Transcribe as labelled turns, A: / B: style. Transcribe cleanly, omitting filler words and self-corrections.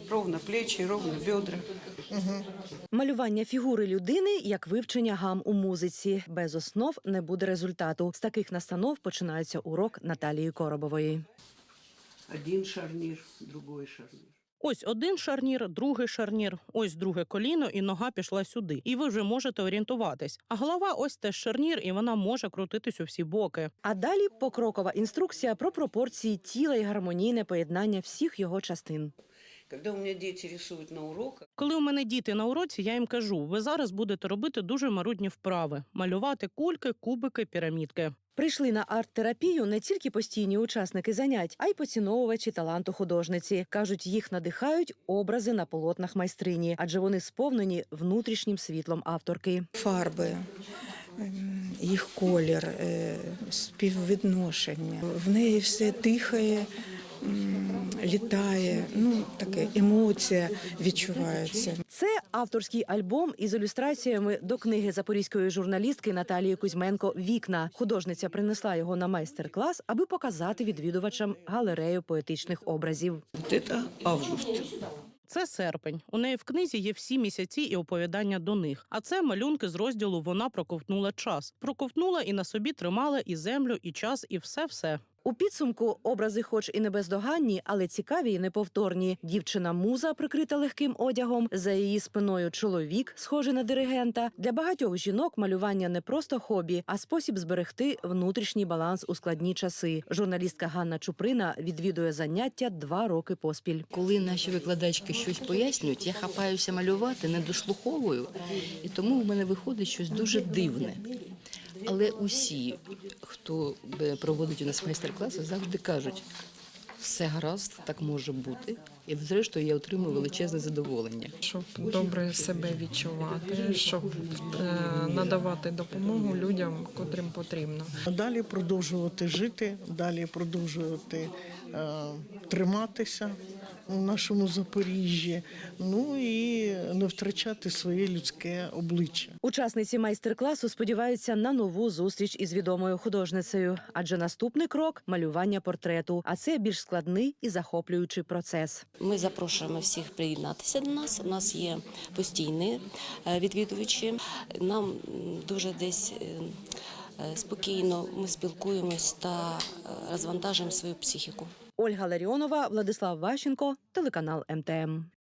A: Ровно плечі, ровно бедра.
B: Малювання фігури людини як вивчення гам у музиці. Без основ не буде результату. З таких настанов починається урок Наталії Коробової.
A: Один шарнір, другий шарнір.
C: Ось один шарнір, другий шарнір, ось друге коліно і нога пішла сюди. І ви вже можете орієнтуватись. А голова ось теж шарнір, і вона може крутитись у всі боки.
B: А далі покрокова інструкція про пропорції тіла і гармонійне поєднання всіх його частин.
A: Коли у мене діти рисують на уроках,
C: Коли у мене діти на уроці, я їм кажу, ви зараз будете робити дуже марудні вправи. Малювати кульки, кубики, пірамідки.
B: Прийшли на арт-терапію не тільки постійні учасники занять, а й поціновувачі таланту художниці. Кажуть, їх надихають образи на полотнах майстрині, адже вони сповнені внутрішнім світлом авторки.
D: Фарби, їх колір, співвідношення. В неї все дихає, літає, таке емоція відчувається.
B: Це авторський альбом із ілюстраціями до книги запорізької журналістки Наталії Кузьменко «Вікна». Художниця принесла його на майстер-клас, аби показати відвідувачам галерею поетичних образів.
A: це август.
C: Це серпень. У неї в книзі є всі місяці і оповідання до них. А це малюнки з розділу «Вона проковтнула час». Проковтнула і на собі тримала і землю, і час, і все-все.
B: У підсумку образи хоч і не бездоганні, але цікаві і неповторні. Дівчина-муза, прикрита легким одягом, за її спиною чоловік, схожий на диригента. Для багатьох жінок малювання не просто хобі, а спосіб зберегти внутрішній баланс у складні часи. Журналістка Ганна Чуприна відвідує заняття 2 роки поспіль.
E: Коли наші викладачки щось пояснюють, я хапаюся малювати, не дослуховую, і тому в мене виходить щось дуже дивне. Але усі, хто проводить у нас майстер-класи, завжди кажуть, все гаразд, так може бути. І зрештою я отримую величезне задоволення.
F: Щоб добре себе відчувати, щоб надавати допомогу людям, котрим потрібно.
G: Далі продовжувати жити, далі продовжувати триматися у нашому Запоріжжі, і не втрачати своє людське обличчя.
B: Учасниці майстер-класу сподіваються на нову зустріч із відомою художницею, адже наступний крок – малювання портрету, а це більш складний і захоплюючий процес.
H: Ми запрошуємо всіх приєднатися до нас. У нас є постійні відвідувачі. Нам дуже десь спокійно ми спілкуємось та розвантажуємо свою психіку.
B: Ольга Ларіонова, Владислав Ващенко, телеканал МТМ.